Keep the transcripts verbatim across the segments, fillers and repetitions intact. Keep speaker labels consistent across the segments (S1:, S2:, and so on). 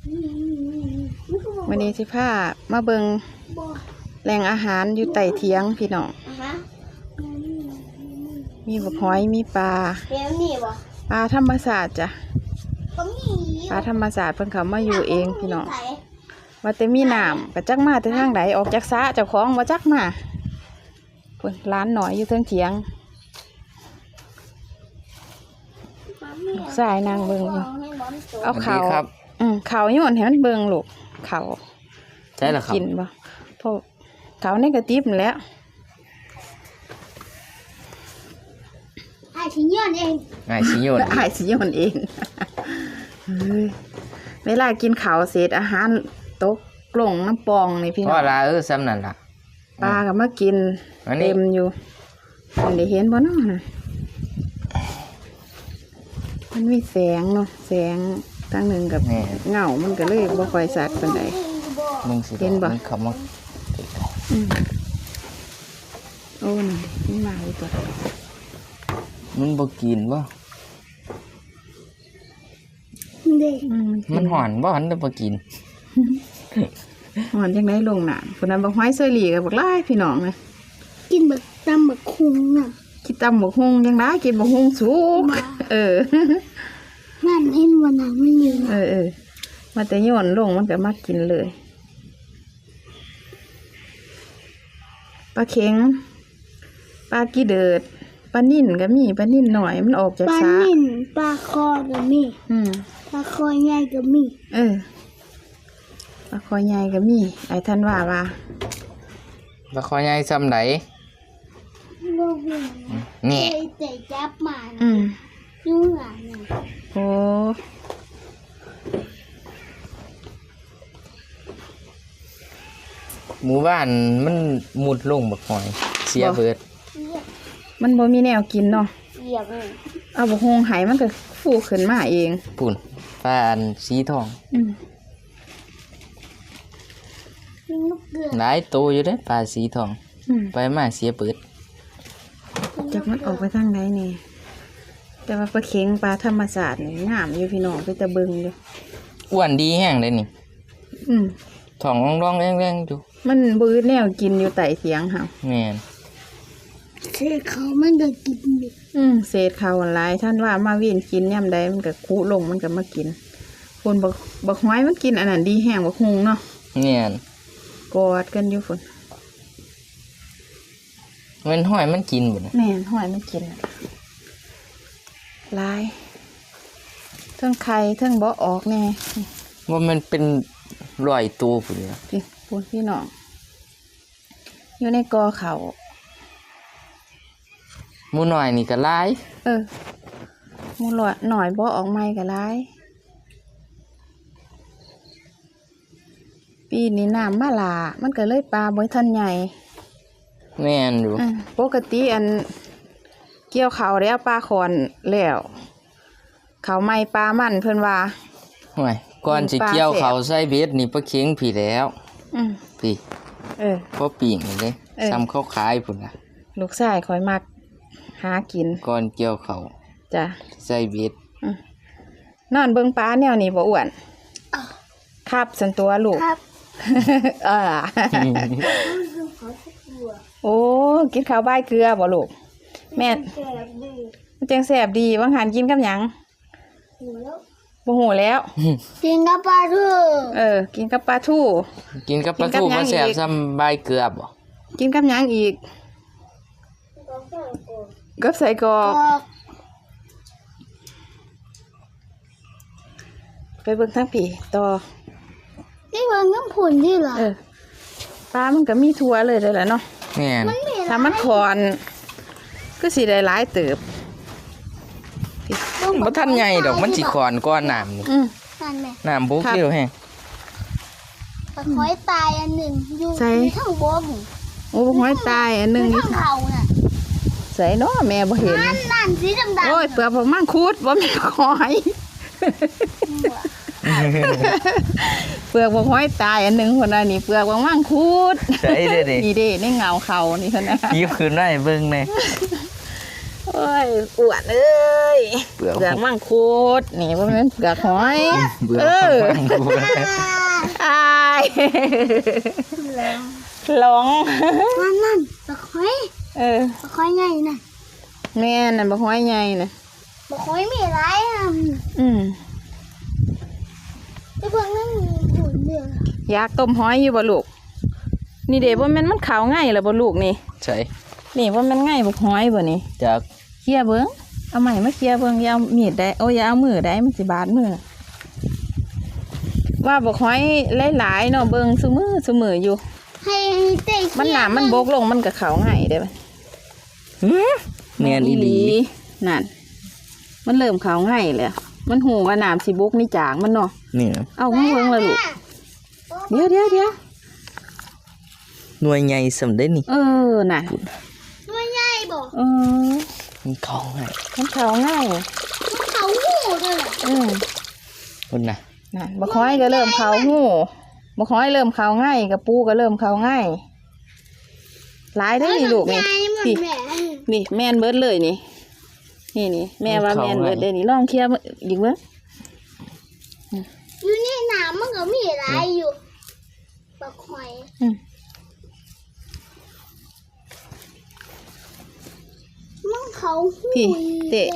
S1: วันนี้สิพามาเบิงแหล่งอาหารอยู่ใต้เถียงพี่น้องมีบักหอยมีปลาปลาธรรมศาสตร์จ้ะปลาธรรมศาสตร์เพิ่นเขามาอยู่เองพี่น้องว่าแต่มีน้ำกระจักมาแต่ทางไหนออกจากสระเจ้าของว่าจักมาเพิ่นร้านหน่อยอยู่เทิงเถียงสายนางเบิงเอาเขาอืมเขาโยนให้มันเบิงลูกเขา
S2: ใช่หรอครับ
S1: กินบ่เพราะเขาในกระติบนั่นแหล้ว
S3: ไอ้ชิโยนเอง
S2: ไอ้ชิโยน
S1: ไอ้ชิโยนเองเวลากินข้าวเศษอาหารตกกล่องน้ำปองนี่พี่น้อง
S2: ว่าละเออซ้ำนั่นล่ะ
S1: ปลาก็มากินเต็มอยู่มันได้เห็นบ่เนาะนะมันมีแสงเนาะแสงทางหนึ่งกับเงามันก็เลยบ่ค่อยสัดปานใดเห็นบ่
S2: เขามา
S1: โอ้นี่มันมาอีกตัว
S2: มันบ่กินบ่มันหอนบ่หันได้บ่กิน
S1: หอนจังได๋ลงน้ำคนนั้นบักหอยเซอรี่กับบักหลายพี่น้องนะ
S3: กินบักตำบักคุงน่ะ
S1: กินตำบักฮุงยังได้กินบักฮุงสุกเออ
S3: นั่นเห็นว่าน้ำมันอยู่
S1: เออเออมาแต่โยนลงมันก็มากินเลยปลาเข็งปลากีเดิดปลานิ่นก็มีปลานิ่นหน่อยมันออกจาก
S3: ปลานิ่นปลาคอก็มี
S1: อืม
S3: ปลาคอใหญ่ก็มี
S1: เออปลาคอใหญ่ก็มีไอ้ท่านว่าว่า
S2: ปลาคอใหญ่ซ้ำไหน
S3: นี่แต่จับมา
S1: อืม
S3: ยุ่งอ่ะเนี่ย
S1: โอ้
S2: หมู่บ้านมันมุดลงบักหอยเสียเบิด
S1: มันบ่มีแนวกินเนาะ
S3: เหยียบเลย
S1: เอาบักฮงไหมันก็ฟูขึ้นมาเอง
S2: ปุ่นปลาอันสีทอง
S1: อืม
S2: หลายตัวอยู่เด้ปลาสีทองไปมาเสียเบิด
S1: จากมันออกไปทางไหนนี่แต่ว่าปลาเข็งปลาธรรมศาสตร์นี่งามอยู่พี่น้องไปตะเบิงอยู่
S2: อ้วนดีแห้งเลยนี่
S1: อืม
S2: ท้องร้องๆแรงๆอยู่
S1: มันบื้อแนวกินอยู่ใต้เถียงค่ะ
S2: แม่น
S3: เศษเขามันก็กินดิ
S1: อืมเศษเขาหลายท่านว่ามาวิ่งกินย่ำใดมันก็คุลงมันก็มากินคนบักบักหอยมันกินอันนั้นดีแห้งบักฮุงเนาะ
S2: แม่น
S1: กอดกันอยู่ฝน
S2: มันหอยมันกินบ่นะ
S1: แม่นหอยมันกินลายเทิงไข่เทิงบ่ออกแน่
S2: ว่ามันเป็นรอยตัวพุ่นเนี่ย
S1: พี่พูดพี่น้องอยู่ในกอเขา
S2: หมูหน่อยนี่ก็หลาย
S1: เออหมูหน่อยหน่อยบ่ออกใหม่ก็หลายปีนี้น้ำมาหลามันก็เลยปลาบ่ทันใหญ่
S2: แม่นอยู่
S1: ปกติอันเกี่ยวเขาแล้วปลาขอนแล้วเขาไม่ปลามันเพิ่นว่า
S2: ห่วยก่อนสิเกี่ยวเขาใส่เบ็ดนี่ปลาเข็งผีแล้วพี่
S1: เออ
S2: พอปีกนี่เลยซ้ำเขาขายพุ่นน่ะ
S1: ลูกชายคอยมักหากิน
S2: ก่อนเกี่ยวเขา
S1: จ้ะ
S2: ใส่เบ็ด
S1: นอนเบิ่งปลาแนวนี้บ่อ้วนครับสันตัวลูก
S3: ครับ
S1: เออโอ้กินข้าวใบเกลือบ่ลูกแม่มันจังแสบดีบางหันกินกับหยังบ่หูแล้ว
S3: กินกับปลาทู
S1: เออกินกับปลาทู
S2: กินกับปลาทูมันแสบซ้ำใบเกลือบ่
S1: กินกับหยังอีกกับใส่กรอกไปเบิ่งทางผีต่อ
S3: นี่มันน้ำผุนที่เหรอ
S1: เออปลามันก็มีทั่วเลยเลยแหละเนาะ
S2: แม่น
S1: ถ้ามันคอนก็สิได้หลายเติบ
S2: บ่ทันใหญ่ดอกมันสิคอนก้อนน้ำนี่น้ำบุกเดียวแฮง
S3: ปลาหอยตายอันหนึ่งอยู่ข้างบน
S1: โอ้ปลาหอยตายอันหนึ่ง
S3: อยู่ข้างเขาน่ะ
S1: ใส่เนาะแม่บ่เห็น
S3: นั่นสีดำๆ
S1: โอ้ยเปลือกผมมั่งคูดบ่มีหอยเปลือกบ่หอยตายอันหนึ่งคนน่ะนี่เปลือกบ่มั่งคูด
S2: ใส่เด้อนี่
S1: นี่เด้ในเงาเขานี่คนน่ะ
S2: ยิ้มขึ้นได้เบิ่งแน่
S1: โอ้ยอวดเอ้ย
S2: เปลือก
S1: เปลือกมังคุดนี่ว่ามันเปลือกหอย
S2: เบื่อ
S1: เออ
S2: ฟังกู
S1: อายหลง
S3: นั่นนั่นปลาคอย
S1: เออ
S3: ปลาคอยใหญ่น่ะ
S1: แม่นั่นบักหอยใหญ่น่ะ
S3: ปลาคอยมีอะไรอ่ะ
S1: อืม
S3: ไอ้พวกนั้นมีหุ่นเดือด
S1: อยากต้มหอยอยู่บ่ลูกนี่เด้บ่แม่นมันขาวง่ายล่ะบ่ลูกนี่
S2: ใช่
S1: นี่บ่แม่นง่ายบักหอยบ่นี่
S2: จาก
S1: เคลียร์เบิ่งเอาใหม่มาเคลียร์เบิ่งอย่าเอามีดได้โอ้ยอย่าเอามือได้มันสิบาดมือว่าบักหอยหลายๆเนาะเบิ่งซุมือซุมืออยู่
S3: ให้เตะ
S1: มันหนามันบกลงมันก็ขาวง่ายได้ป่ะ
S2: แมนอีหลี
S1: นั่นมันเริ่มขาวง่ายเลยมันหูว่าน้ำสิบกนี่จางมันเนาะ
S2: นี่
S1: เอาข้างเบิ่งเลยลูกเดี๋ยวเดี๋ยวเดี๋ยว
S2: หน่วยใหญ่สำได้นี่
S1: เออน่ะ
S3: ตัวใหญ่บ่
S1: เออ
S2: มันเข้าง่าย
S1: มันขาวง่าย
S3: มันเขาหูเลย
S1: อืม
S2: คนน่ะ
S1: นั่นบักฮ้อยก็เริ่มขาวหูบักฮ้อยเริ่มขาวง่ายกับปูก็เริ่มขาวง่ายหลายได้อนี่ลูกนี่พี่
S3: แม่
S1: นี่แม่นเบิดเลยนี่นี่นี่แม่ว่าแม่นเบิดเด้นี่ลองเคลียร์อีกเบิ่ง
S3: อยู่ในน้ำมันก็มีอะไรอยู่ปลาคอย
S1: อืม
S3: มันเขาหู
S1: พี่เตะ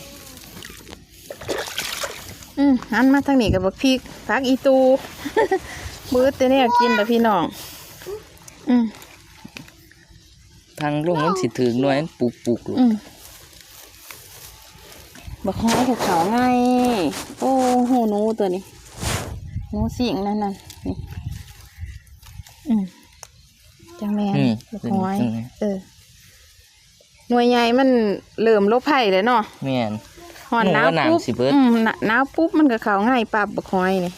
S1: อืมหันมาทางนี้กับบักพริกพักอีตู มือเตเนี่ยกินแต่พี่น้อง อืม
S2: ทางลงมันสิถึงหน่วยปุกปุกลูก
S1: อืมบักฮ้อยกับเขาไงโอ้โหหนูตัวนี้หนูสิงนั่นน่ะนี่อืมจังแม่น
S2: อืม
S1: บักฮ้อยเออหน่วยใหญ่มันเริ่มลบไผ่เลยเนาะ
S2: แม่น
S1: หอนหนาว
S2: หนูว่า
S1: ปุ๊บ
S2: น้ำสิเบิด
S1: อืมหนหนาวปุ๊บมันก็เขาง่ายปับบักฮ้อยนี่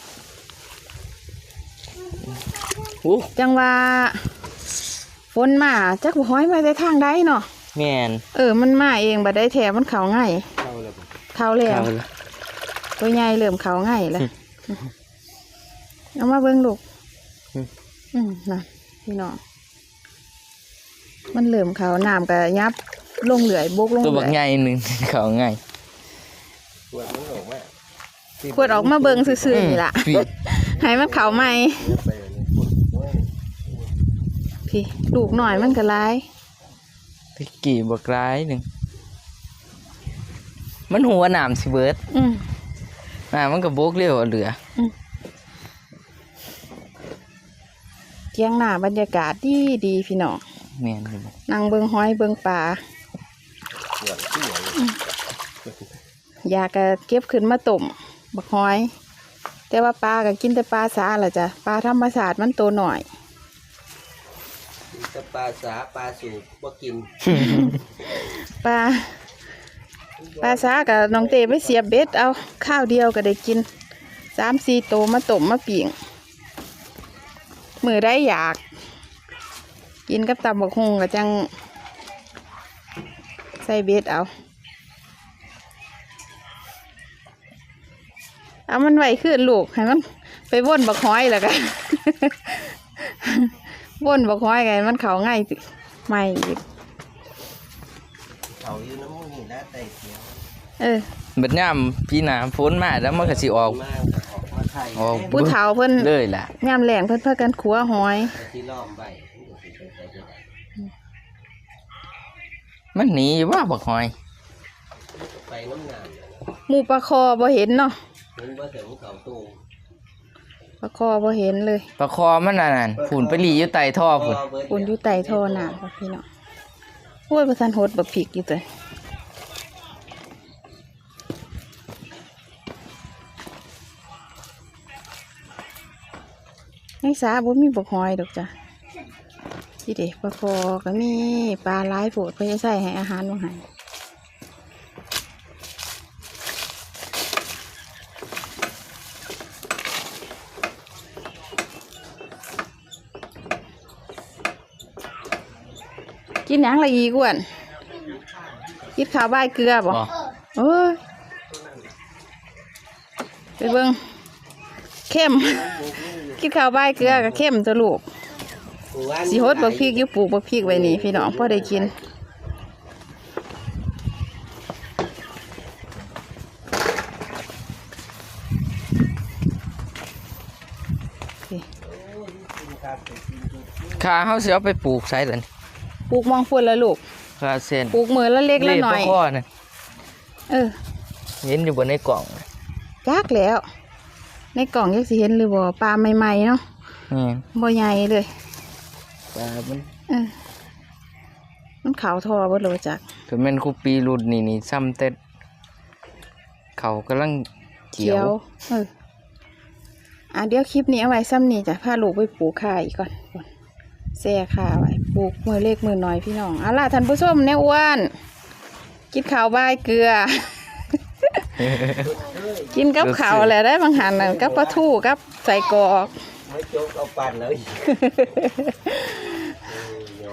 S2: โอ้
S1: จังว่าฝนมาจักบักฮ้อยมาได้ทางใดเนาะ
S2: แม่น
S1: เออมันมาเองบัดได้แถมมันเขาง่ายเขาแล้ว
S2: เข้าละ
S1: ตัวใหญ่เริ่มเขาง่ายแล้วเอามาเบิ่งลูกอืมน่ะพี่น้องมันเริ่มเขาน้ำก็ยับลงเหลือยบกลง
S2: ตัว
S1: เหลื
S2: บัก
S1: อย
S2: ใหญ่หนึง เข้าง่าย
S1: ขวดออกมาเบิ่งซื่อๆนี่ล่ะ
S2: พี่
S1: ให้มันเขาใหม่พี่ลูกหน่อยมันก็ร้าย
S2: ตะกี้บักร้ายหนึงมันหัวน้ำสิเบิด
S1: อืม
S2: น้ำมันก็บกเร็วเอาเหลือ
S1: เที่ยงหน้าบรรยากาศดีดีพี่น้อง
S2: แม่นอยู่บ่
S1: นั่งเบิ่งหอยเบิ่งปลาอืมอยากก็เก็บขึ้นมาต้มบักหอย แต่ว่าปลาก็กินแต่ปลาสาล่ะจ้ะปลาธรรมชาติมันโตหน่อย
S4: จะปลาสาปลาสูบบ่กิน
S1: ปลาปลาสากับน้องเตไปเสียบเบ็ดเอาข้าวเดียวก็ได้กินสามสี่โตมาต้มมาปิ่งมือได้อยาก กินกับตำบักฮุงก็จังใส่เบ็ดเอาเอามันไว้ขึ้นลูกให้มันไปว่นบักห้อยแล้วกัน ว่นบักห้อยไงมันเขาง่ายสิไม่อีก
S4: เขาอยู่น้ำมูกนี่นะไตเขียว
S1: เออ
S2: บัดยามพี่น้ำฝนมาแล้วมันก็สิออก
S4: มากก็ออกมาไข่
S2: ออก
S1: ผู้เฒ่าเพิ่น
S2: เลยล่ะ
S1: ยามแหลงเพิ่นเพื่อกันขัวหอย
S4: แต่ที่ล้อมใบมันก็สิเป็นไปได้
S2: มันหนีอยู่ว่าบักหอย
S4: ไปน้ำงาม
S1: หมูปลาคอบ่เห็นเนาะ
S4: มันบ่ถึงเขาตู้
S1: ปลาคอบ่เห็นเลย
S2: ปลาคอมันนั่นน่ะฝุ่นไปหลีอยู่ใต้ท่อฝุ่น
S4: เบิด
S1: ปุ่นอยู่ใต้ท่อน้ำค่ะพี่น้องโอ้ยประทันโหดบักผิกอยู่ตัวในสาบ่มีบักหอยดอกจ้ะที่เด็กปลาคอก็มีปลาหลายโผดเพื่อจะใส่ให้อาหารบ่ให้กินหยังละอีกอ้วนกินข้าวใบายเกลือบ่
S2: บ่
S1: โอ้ยไปเบิ่งเข้ม กินข้าวใบายเกลือกับเข้มตัวลูกสิฮดบักพริกอยู่ปลูกบักพริกไว้นี่พี่น้องพอได้กินสิ
S2: ขาเฮาสิเอาไปปลูกไสล่ะนี่
S1: ปลูกมองฝุ่นแล้วลูก
S2: ขาเส้น
S1: ปลูกมือละเล็กละหน่อย
S2: เล่พ่อน่ะ
S1: เออ
S2: เห็นอยู่บนในกล่องน่ะ
S1: จักแล้ว ในกล่องยังสิเห็นหรือบ่ปลาใหม่ๆเนาะ
S2: นี่
S1: บ่ใหญ่เลย
S2: ปลามัน
S1: เออมันขาวทอบ่รู้จัก
S2: ก็แม่นคูปีรุ่นนี่นี่ซ้ำแต่เขากำลังเขียว
S1: เอออ่ะเดี๋ยวคลิปนี้เอาไว้ซ้ำนี่จ้ะพาลูกไปปลูกข่าอีกก่อนแซ่ข่าไว้ปลูกมือเล็กมือน้อยพี่น้องเอาล่ะท่านผู้ชมแนวอ้วนกินข้าวบายเกลือ กินกับข้าวแหละได้บางหันน่ะกับปลาทูกับใส่กรอก
S4: ไม่โจกเอาปั่นเลย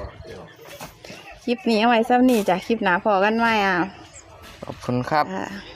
S1: คลิปนี้เอาไว้ซ้ำนี่จ้ะคลิปหน้าพอกันไหมอ่ะ
S2: ขอบคุณครับ
S1: อ่า